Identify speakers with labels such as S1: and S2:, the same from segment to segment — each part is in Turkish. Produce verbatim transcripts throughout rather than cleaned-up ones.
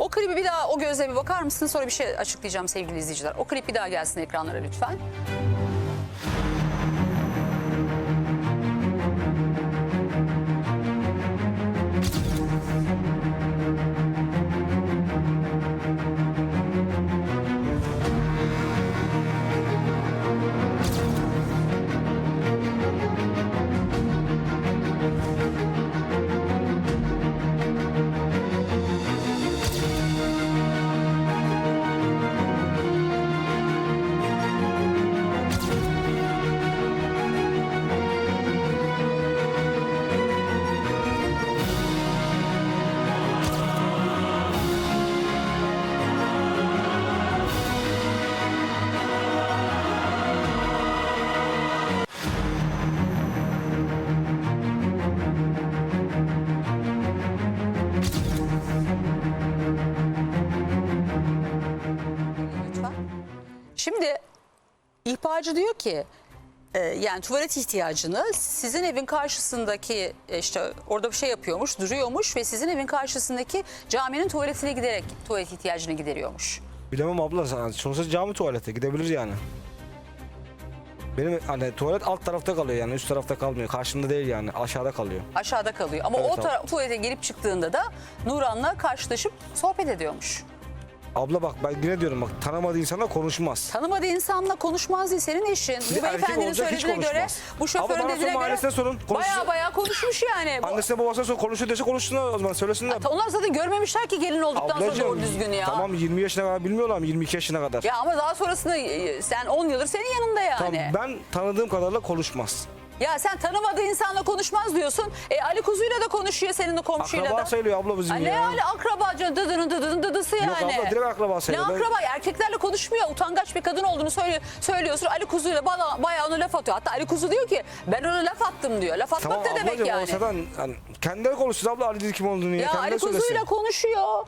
S1: O klibi bir daha, o gözle bir bakar mısın? Sonra bir şey açıklayacağım sevgili izleyiciler. O klip bir daha gelsin ekranlara lütfen. Şimdi ihbarcı diyor ki e, yani tuvalet ihtiyacını sizin evin karşısındaki e, işte orada bir şey yapıyormuş, duruyormuş ve sizin evin karşısındaki caminin tuvaletine giderek tuvalet ihtiyacını gideriyormuş.
S2: Bilemem abla, sonuçta cami tuvalete gidebilir yani. Benim hani tuvalet alt tarafta kalıyor yani, üst tarafta kalmıyor. Karşımda değil yani, aşağıda kalıyor.
S1: Aşağıda kalıyor ama
S2: Evet,
S1: o tara- tuvalete gelip çıktığında da Nuran'la karşılaşıp sohbet ediyormuş.
S2: Abla bak, ben yine diyorum bak, tanımadığı insanla konuşmaz.
S1: Tanımadığı insanla konuşmaz değil, senin eşin. Bu
S2: erkek
S1: beyefendinin
S2: olacak, hiç
S1: söylediğine göre,
S2: konuşmaz.
S1: bu şoförün
S2: Ama bana
S1: dediğine
S2: sorun,
S1: göre
S2: ailesine sorun, konuşsun.
S1: baya baya konuşmuş yani. Bu-
S2: Annesine babasına sor, konuşuyor dese konuşsunlar o zaman, söylesinler.
S1: Onlar zaten görmemişler ki gelin olduktan sonra doğru düzgün ya.
S2: Tamam, yirmi yaşına kadar bilmiyorlar mı, yirmi iki yaşına kadar.
S1: Ya ama daha sonrasında e, sen on yıldır senin yanında yani.
S2: Tamam, ben tanıdığım kadarıyla konuşmaz.
S1: Ya sen tanımadığı insanla konuşmaz diyorsun. E Ali Kuzu'yla da konuşuyor, senin de komşuyla
S2: Akraba
S1: da.
S2: sayılıyor abla bizim
S1: Ha,
S2: ya.
S1: ne Ali akrabacı, dıdının dıdının dıdısı yani.
S2: Yok abla, direkt akraba
S1: Ne
S2: sayılıyor. Ben-
S1: akraba? Erkeklerle konuşmuyor. Utangaç bir kadın olduğunu söylüyor, söylüyorsun. Ali Kuzu'yla bana bayağı ona laf atıyor. Hatta Ali Kuzu diyor ki ben ona laf attım diyor. Laf atmak
S2: Tamam
S1: ne demek
S2: ablacığım,
S1: yani?
S2: o zaten hani, kendileri konuşsun abla, Ali dedi kim olduğunu ya,
S1: Ya
S2: kendileri
S1: Ali
S2: söylesin.
S1: Kuzu'yla konuşuyor.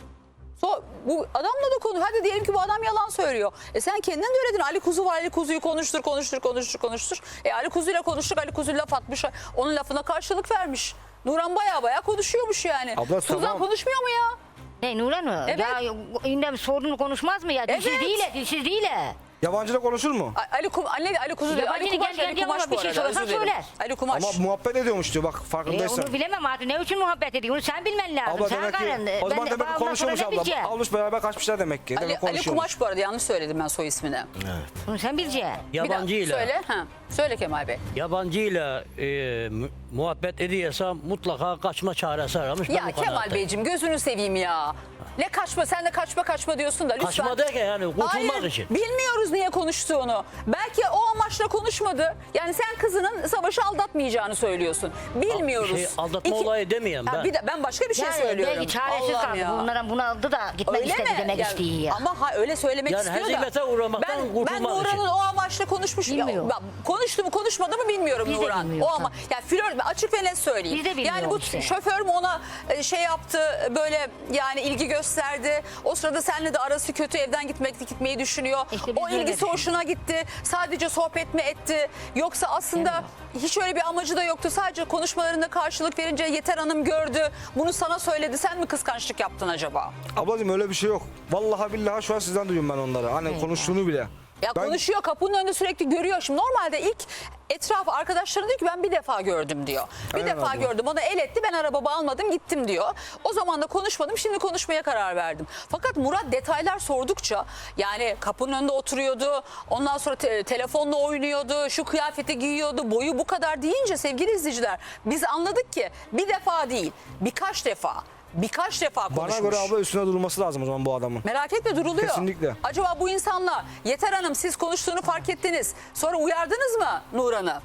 S1: So, bu adamla da konu. Hadi diyelim ki bu adam yalan söylüyor. E sen kendin de öyle dedin. Ali Kuzu var. Ali Kuzu'yu konuştur, konuştur, konuştur, konuştur. E Ali Kuzu'yla konuştuk. Ali Kuzu laf atmış. Onun lafına karşılık vermiş. Nuran baya baya konuşuyormuş yani.
S2: Abla,
S1: Suzan
S2: tamam.
S1: konuşmuyor mu ya?
S3: Ne Nuran mı?
S1: Evet.
S3: Ya yine bir sorunu konuşmaz mı ya? Dilsiz
S1: Evet.
S3: değil, dilsiz değil.
S2: Yabancıyla konuşur mu?
S1: A- Ali Kum Ali, Ali Kuzu diyor. Ali
S3: Yabancı
S1: Kumaş,
S3: gel-
S1: Ali
S3: gel-
S1: Kumaş
S3: gel
S1: bu
S3: bir şey
S1: arada.
S3: sorarsan
S1: Özür dilerim.
S3: söyler.
S1: Ali Kumaş.
S2: Ama muhabbet ediyormuş diyor, bak
S3: E,
S2: farkındaysan.
S3: onu bilemem artık. Ne için muhabbet ediyor? Onu sen bilmen lazım.
S2: Abla
S3: sen
S2: demek ki,
S3: karın.
S2: o zaman
S3: Ben-
S2: demek ki
S3: ondan
S2: konuşuyormuş
S3: sonra ne
S2: abla.
S3: bileceğim?
S2: Almış beraber kaçmışlar demek ki.
S1: Ali,
S2: Demek
S1: Ali
S2: konuşuyormuş.
S1: Kumaş bu arada, yanlış söyledim ben soy ismini.
S3: Bunu sen bileceksin.
S1: Bir daha
S4: Yabancıyla,
S1: söyle. Ha. Söyle Kemal Bey.
S4: yabancıyla e, mu- muhabbet ediyorsa mutlaka kaçma çaresi aramış. Ben
S1: Ya
S4: bu
S1: Kemal
S4: kanaatteyim.
S1: Beyciğim gözünü seveyim ya. Ne kaçma, sen de kaçma kaçma diyorsun da lütfen.
S4: Kaçma derken yani kurtulmak
S1: Hayır,
S4: için.
S1: bilmiyoruz niye konuştuğunu. Belki o amaçla konuşmadı. Yani sen kızının Savaş'ı aldatmayacağını söylüyorsun. Bilmiyoruz.
S4: Şey, aldatma olayı demeyeyim
S1: Ha,
S4: ben.
S1: bir de, ben başka bir şey
S3: Yani
S1: söylüyorum.
S3: belki çaresiz
S1: Allah'ım
S3: kaldı.
S1: ya.
S3: Bunlara bunu aldı da gitmek
S1: Öyle
S3: istedi
S1: mi?
S3: demek
S1: Yani
S3: istiyor ya.
S1: Ama ha, öyle söylemek
S4: Yani
S1: istiyor da.
S4: hezimete uğramaktan
S1: ben,
S4: kurtulmak
S1: ben Nuran'ın
S4: için.
S1: o amaçla konuşmuş. Ya,
S3: Bilmiyorum.
S1: ben konuştu mu konuşmadı mı bilmiyorum
S3: Biz de
S1: Nuran. O
S3: bilmiyoruz,
S1: ama ya flört, açık ve net söyleyeyim.
S3: Biz de bilmiyoruz
S1: yani bu
S3: işte.
S1: şoför mü ona e, şey yaptı, böyle yani ilgi gösterdi. O sırada seninle de arası kötü, evden gitmek gitmeyi düşünüyor.
S3: İşte biz
S1: O
S3: de öyle
S1: ilgisi
S3: düşünüyoruz.
S1: hoşuna gitti. Sadece sohbet mi etti? Yoksa aslında
S3: Değil
S1: hiç öyle bir amacı da yoktu. Sadece konuşmalarında karşılık verince Yeter Hanım gördü. Bunu sana söyledi. Sen mi kıskançlık yaptın acaba?
S2: Ablacığım öyle bir şey yok. Vallahi billahi şu an sizden duyuyorum ben onları. Hani
S3: Evet.
S2: konuştuğunu bile.
S1: Ya
S2: Ben-
S1: konuşuyor, kapının önünde sürekli görüyor. Şimdi normalde ilk etraf arkadaşları diyor ki ben bir defa gördüm diyor. Bir
S2: Aynen
S1: defa
S2: abla.
S1: gördüm, bana el etti, ben arabamı almadım gittim diyor. O zaman da konuşmadım, şimdi konuşmaya karar verdim. Fakat Murat detaylar sordukça, yani kapının önünde oturuyordu, ondan sonra te- telefonla oynuyordu, şu kıyafeti giyiyordu, boyu bu kadar deyince sevgili izleyiciler biz anladık ki bir defa değil birkaç defa. Birkaç defa konuşmuş.
S2: Bana göre abla üstüne durması lazım o zaman bu adamın.
S1: Merak etme, duruluyor.
S2: Kesinlikle.
S1: Acaba bu insanla Yeter Hanım siz konuştuğunu fark ettiniz. Sonra uyardınız mı Nuran'ı?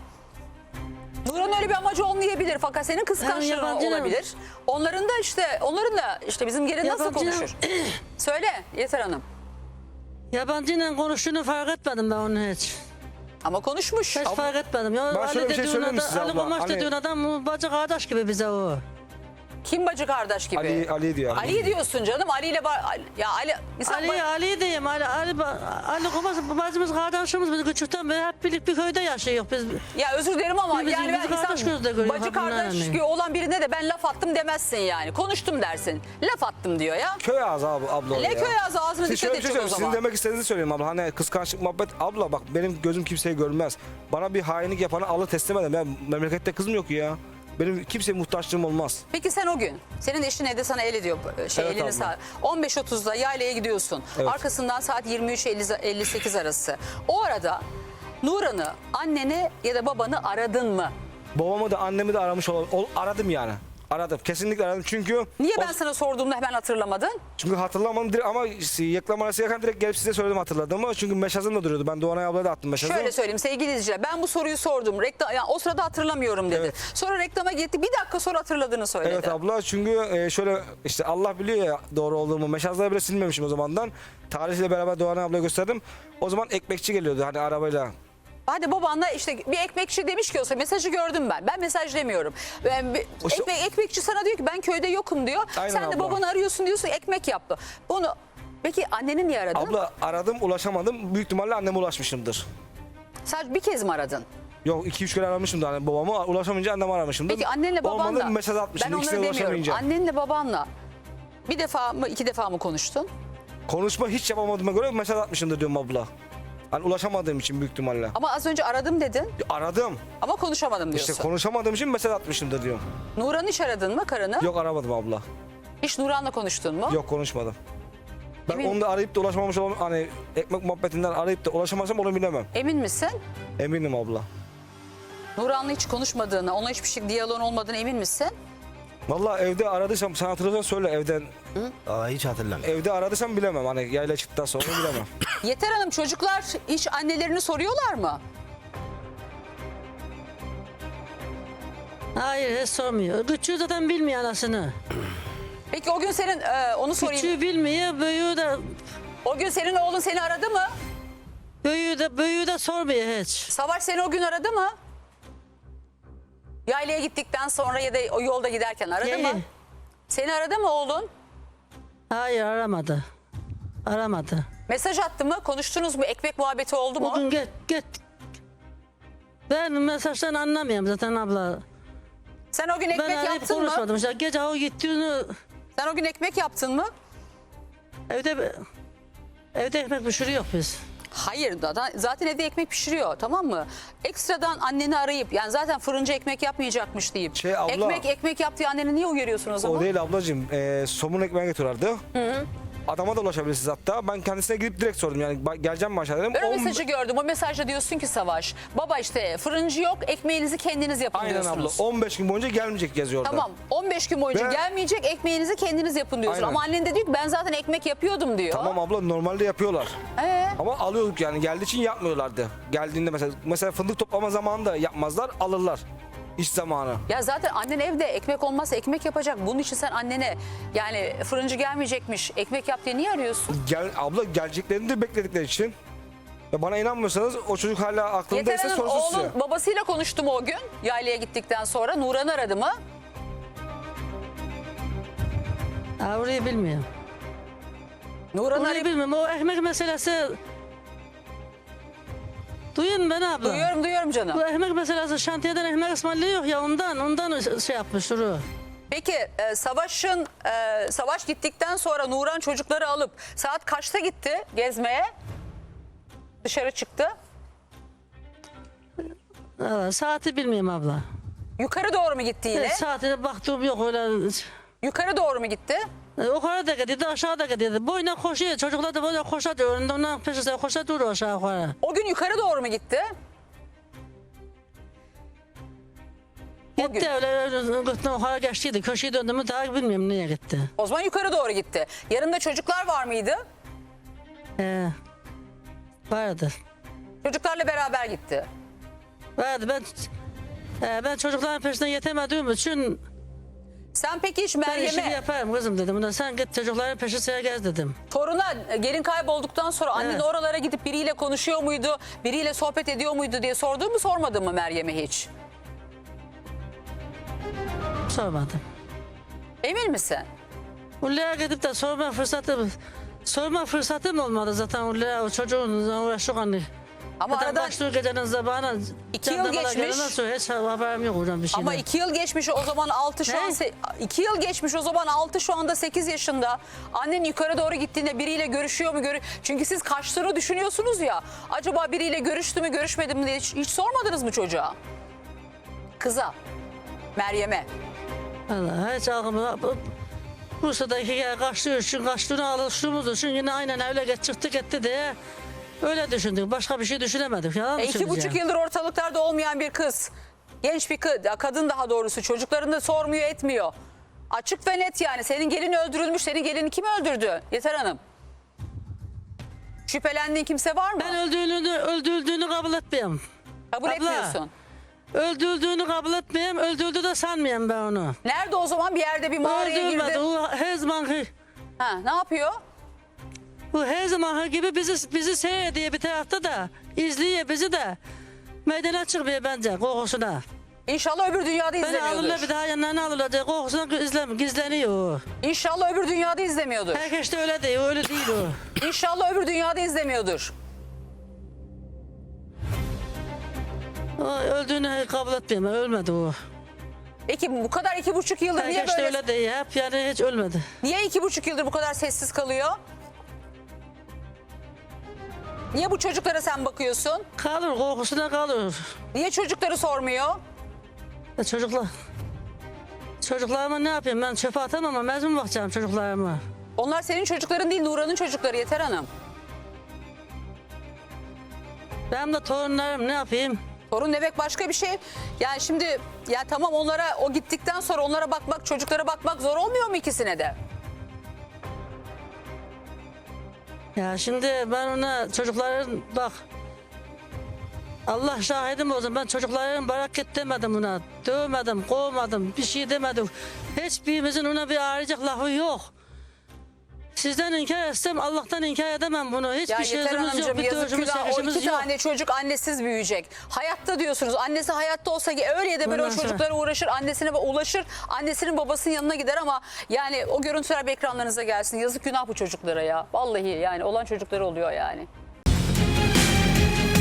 S1: Nuran'ın öyle bir amacı olmayabilir fakat senin kıskançlığın
S5: yabancı
S1: olabilir. Onların da işte onların da işte bizim gelin nasıl
S5: Yabancı-
S1: konuşur? Söyle Yeter Hanım.
S5: Yabancıyla konuştuğunu fark etmedim ben onu hiç.
S1: Ama konuşmuş.
S5: Hiç fark etmedim. Ya,
S2: Ben şöyle bir şey
S5: dediğin
S2: söyleyeyim mi
S5: adam,
S2: size
S5: Ali
S2: abla?
S5: Kumaş
S2: Hani-
S5: dediğin adam bacı kardeş gibi bize o.
S1: Kim bacı kardeş gibi?
S2: Ali, Ali diyor.
S1: Ali diyorsun canım. Ali ile ba- Ali- ya Ali insan
S5: Ali,
S1: ba-
S5: Ali diyeyim. Ali, Ali, Ali babası, bacımız, kardeşimiz biz küçükten beri hep birlikte bir köyde yaşıyoruz biz.
S1: ya özür dilerim ama
S5: Birbirimizi
S1: yani ben
S5: kardeş
S1: insan
S5: gözle görüyor,
S1: bacı
S5: kadınlar
S1: kardeş
S5: hani.
S1: gibi olan birine de ben laf attım demezsin yani. Konuştum dersin. Laf attım diyor ya.
S2: Köy ağzı abi abla o
S1: Ne
S2: ya.
S1: köy ağzı, ağzına
S2: Siz
S1: dikkat
S2: şöyle bir
S1: edecek
S2: şey
S1: o
S2: söyleyeyim.
S1: zaman.
S2: Sizin demek istediğinizi söyleyeyim abla. Hani kıskançlık muhabbet. Abla bak benim gözüm kimseyi görmez. Bana bir hainlik yapanı Allah teslim edem. Ben memlekette kızım yok ya. Benim kimseye muhtaçlığım olmaz.
S1: Peki sen o gün senin eşin evde sana el ediyor şey
S2: Evet
S1: elini
S2: abla.
S1: sağ on beş otuzda yaylaya gidiyorsun.
S2: Evet.
S1: Arkasından saat yirmi üç elli sekiz arası. O arada Nuran'ı, anneni ya da babanı aradın mı?
S2: Babamı da annemi de aramış ol, ol- aradım yani. Aradım. Kesinlikle aradım. Çünkü
S1: Niye
S2: o-
S1: ben sana sorduğumda hemen hatırlamadın?
S2: çünkü hatırlamadım direkt ama reklam arası yakan direkt gelip size söyledim hatırladığımı. Çünkü meşazım da duruyordu. Ben Doğanay ablaya da attım meşazı.
S1: Şöyle söyleyeyim sevgili izleyiciler, ben bu soruyu sordum. Reklam, yani o sırada hatırlamıyorum dedi.
S2: Evet.
S1: Sonra reklama gitti, bir dakika sonra hatırladığını söyledi.
S2: Evet abla çünkü e, şöyle işte Allah biliyor ya doğru olduğumu. Meşazları bile silmemişim o zamandan. Tarihle beraber Doğanay ablaya gösterdim. O zaman ekmekçi geliyordu hani arabayla.
S1: Hadi babanla işte bir ekmekçi demiş ki olsa mesajı gördüm ben. Ben mesaj demiyorum. Ben, bir-
S2: O işte-
S1: ekmek, ekmekçi sana diyor ki ben köyde yokum diyor.
S2: Aynen
S1: Sen de
S2: abla.
S1: babanı arıyorsun diyorsun ekmek yaptı. Bunu peki anneni niye aradın?
S2: Abla aradım ulaşamadım. Büyük ihtimalle anneme ulaşmışımdır.
S1: Sadece bir kez mi aradın?
S2: Yok iki üç kere aramışımdır hani babamı. Ulaşamayınca anneme aramışımdır.
S1: Peki annenle babanla.
S2: Olmadı mesaj
S1: Ben
S2: atmışım.
S1: onları
S2: İkisine
S1: demiyorum.
S2: ulaşamayınca.
S1: Annenle babanla bir defa mı iki defa mı konuştun?
S2: Konuşma hiç yapamadığıma göre mesaj atmışımdır diyorum abla. Hani ulaşamadığım için büyük ihtimalle.
S1: Ama az önce aradım dedin
S2: Aradım.
S1: ama konuşamadım diyorsun.
S2: İşte konuşamadığım için mesaj atmışımdır diyorum.
S1: Nuran'ı hiç aradın mı karını?
S2: Yok aramadım abla.
S1: Hiç Nuran'la konuştun mu?
S2: Yok konuşmadım. Ben
S1: Emin-
S2: onu da arayıp da ulaşmamış olan hani ekmek muhabbetinden arayıp da ulaşamazsam onu bilemem.
S1: Emin misin?
S2: Eminim abla.
S1: Nuran'la hiç konuşmadığını, ona hiçbir şey diyaloğun olmadığını emin misin?
S2: Vallahi evde aradıysam sen hatırlıyorsan söyle evden.
S6: Aa, hiç hatırlamıyorum.
S2: Evde aradıysam bilemem hani yayla çıktıktan sonra bilemem.
S1: Yeter Hanım, çocuklar hiç annelerini soruyorlar mı?
S5: Hayır hiç sormuyor. Küçüğü zaten bilmiyor anasını.
S1: Peki o gün senin e, onu sorayım.
S5: Küçüğü bilmiyor, büyüğü de,
S1: O gün senin oğlun seni aradı mı?
S5: büyüğü de, büyüğü de sormuyor hiç.
S1: Savaş seni o gün aradı mı? Yaylaya gittikten sonra ya da o yolda giderken aradı
S5: Ye-
S1: mı? Seni aradı mı oğlun?
S5: Hayır aramadı. Aramadı.
S1: Mesaj attı mı? Konuştunuz mu? Ekmek muhabbeti oldu mu?
S5: Bugün git git. Ben mesajdan anlamıyorum zaten abla.
S1: Sen o gün ekmek
S5: Ben arayıp
S1: yaptın mı?
S5: konuşmadım. İşte gece o gittiğini
S1: Sen o gün ekmek yaptın mı?
S5: evde evde ekmek pişiriyor biz.
S1: Hayır da da- zaten evde ekmek pişiriyor, tamam mı? Ekstradan anneni arayıp yani zaten fırıncı ekmek yapmayacakmış deyip
S2: Şey, abla-
S1: ekmek ekmek yaptığı anneni niye uyarıyorsun o zaman?
S2: O değil ablacığım. E, somun ekmeği getiriyorlardı. Adama da ulaşabilirsiniz hatta. Ben kendisine gidip direkt sordum yani ba- geleceğim mi aşağı dedim.
S1: Ben o
S2: On-
S1: mesajı gördüm. O mesajda diyorsun ki Savaş, baba işte fırıncı yok, ekmeğinizi kendiniz yapın
S2: Aynen abla.
S1: diyorsunuz.
S2: on beş gün boyunca gelmeyecek yazıyor orada.
S1: Tamam, on beş gün boyunca
S2: Ve-
S1: gelmeyecek, ekmeğinizi kendiniz yapın diyorsun.
S2: Aynen.
S1: Ama annen de diyor ki ben zaten ekmek yapıyordum diyor.
S2: Tamam abla normalde yapıyorlar.
S1: Ee?
S2: Ama alıyorduk yani geldiği için yapmıyorlardı. Geldiğinde mesela mesela fındık toplama zamanında yapmazlar alırlar. İş zamanı.
S1: Ya zaten annen evde ekmek olmazsa ekmek yapacak. Bunun için sen annene yani fırıncı gelmeyecekmiş, ekmek yap diye niye arıyorsun?
S2: Gel, abla geleceklerini de bekledikleri için. Ya bana inanmıyorsanız o çocuk hala
S1: Yeter
S2: aklındaysa
S1: Hanım
S2: sorsun size.
S1: oğlun babasıyla konuştu mu o gün? Yaylaya gittikten sonra Nuran'ı aradı mı?
S5: Ha, orayı bilmiyorum.
S1: Nuran'ı
S5: Orayı
S1: arayıp
S5: bilmiyorum. O ekmek meselesi... Duyun beni abla.
S1: duyuyorum duyuyorum canım.
S5: Bu ekmek meselesi şantiyeden ekmek ısmarlıyor ya ondan ondan şey yapmış Duru.
S1: Peki e, Savaş'ın e, Savaş gittikten sonra Nuran çocukları alıp saat kaçta gitti gezmeye? Dışarı çıktı.
S5: Valla saati bilmiyorum abla.
S1: Yukarı doğru mu gitti yine?
S5: Evet, saatine baktığım yok öyle.
S1: Yukarı doğru mu gitti?
S5: E, Yukarı da gidiyordu aşağı da gidiyordu. Boyuna koşuyor çocuklar da böyle koşuyor. Önünde ondan peşinde koşuyor duruyor aşağı yukarı.
S1: O gün yukarı doğru mu gitti? O gün.
S5: Gitti öyle öyle gittim yukarı geçtiydi. Köşeyi döndü mü daha bilmiyorum nereye gitti.
S1: O zaman yukarı doğru gitti. Yanında çocuklar var mıydı?
S5: Ee, vardı.
S1: Çocuklarla beraber gitti.
S5: Vardı ben e, ben çocukların peşinden yetemediğim için
S1: Sen peki hiç
S5: ben işimi
S1: Meryem'e,
S5: yaparım kızım dedim. Buna sen git çocukların peşine gez dedim.
S1: toruna e, gelin kaybolduktan sonra annen
S5: Evet.
S1: oralara gidip biriyle konuşuyor muydu? Biriyle sohbet ediyor muydu diye sordun mu sormadın mı Meryem'e hiç?
S5: Sormadım.
S1: Emin misin?
S5: Ullaya gidip de sorma fırsatım, sorma fırsatım olmadı zaten Ullaya o çocuğun uğraştık hani.
S1: Ama
S5: Zaten
S1: aradan
S5: başlıyor gecenin sabahına.
S1: İki yıl
S5: jandarmalar
S1: geçmiş.
S5: gelene sonra hiç haberim yok hocam bir şeyden.
S1: ama iki yıl geçmiş o zaman altı şu
S5: Ne?
S1: an se- iki yıl geçmiş o zaman altı şu anda sekiz yaşında. Annen yukarı doğru gittiğinde biriyle görüşüyor mu? Görü Çünkü siz kaçtığını düşünüyorsunuz ya. Acaba biriyle görüştü mü görüşmedi mi diye hiç, hiç sormadınız mı çocuğa? Kıza. Meryem'e.
S5: Allah hiç aklımda. Bu- Bursa'daki yer kaçtığı için kaçtığını alıştığımız için yine aynen öyle geç çıktı gitti diye öyle düşündük. Başka bir şey düşünemedik. Yalan mı
S1: E, iki
S5: söyleyeceğim?
S1: buçuk yıldır ortalıklarda olmayan bir kız. Genç bir kız, kadın daha doğrusu çocuklarını da sormuyor etmiyor. Açık ve net yani. Senin gelin öldürülmüş. Senin gelini kim öldürdü? Yeter Hanım. Şüphelendiğin kimse var mı?
S5: Ben öldüğünü, öldürüldüğünü kabul etmiyorum.
S1: Kabul
S5: Abla.
S1: etmiyorsun.
S5: Öldürdüğünü kabul etmiyorum. Öldürdü de sanmıyorum ben onu.
S1: Nerede o zaman? Bir yerde bir mağaraya
S5: Öldürmedi.
S1: girdi.
S5: O her zamanki,
S1: Ha, ne yapıyor?
S5: bu her zamanki gibi bizi, bizi seyrediyor bir tarafta da. İzliyor bizi de. Meydana çıkmıyor bence kokusuna.
S1: İnşallah öbür dünyada
S5: Beni alırlar bir
S1: izlemiyordur.
S5: daha yanlarına alırlar. Kokusuna izlem, gizleniyor o.
S1: İnşallah öbür dünyada izlemiyordur.
S5: Herkes de öyle değil. Öyle değil o.
S1: İnşallah öbür dünyada izlemiyordur.
S5: O öldüğünü kabul etmiyorum. Ölmedi o.
S1: Peki bu kadar iki buçuk yıldır niye
S5: Herkes de
S1: böyle...
S5: öyle değil. Hep yani hiç ölmedi.
S1: Niye iki buçuk yıldır bu kadar sessiz kalıyor? Niye bu çocuklara sen bakıyorsun?
S5: Kalır kokusuna kalır.
S1: Niye çocukları sormuyor?
S5: Ya çocuklar. Çocuklarıma ne yapayım ben çöpe atamam ama mezun bakacağım çocuklarıma.
S1: Onlar senin çocukların değil, Nuran'ın çocukları Yeter Hanım.
S5: Benim de torunlarım ne yapayım?
S1: Torun demek başka bir şey. Yani şimdi ya tamam onlara o gittikten sonra onlara bakmak, çocuklara bakmak zor olmuyor mu ikisine de?
S5: Ya şimdi ben ona çocukların bak. Allah şahidim olsun ben çocukların bırak demedim ona. Dövmedim, kovmadım, bir şey demedim. Hiçbirimizin ona bir ağrıyacak lafı yok. Sizden inkar etsem Allah'tan inkar edemem bunu. Hiçbir
S1: Ya Yeter
S5: sözümüz yok,
S1: Hanımcığım
S5: bir
S1: yazık
S5: dövüşümüz,
S1: günah. O
S5: çekişimiz
S1: iki
S5: yok.
S1: tane çocuk annesiz büyüyecek. Hayatta diyorsunuz. Annesi hayatta olsa ki öyle ya da böyle o
S5: Bundan sonra-
S1: çocuklara uğraşır. Annesine ulaşır. Annesinin babasının yanına gider ama yani o görüntüler bir ekranlarınıza gelsin. Yazık günah bu çocuklara ya. Vallahi yani olan çocukları oluyor yani.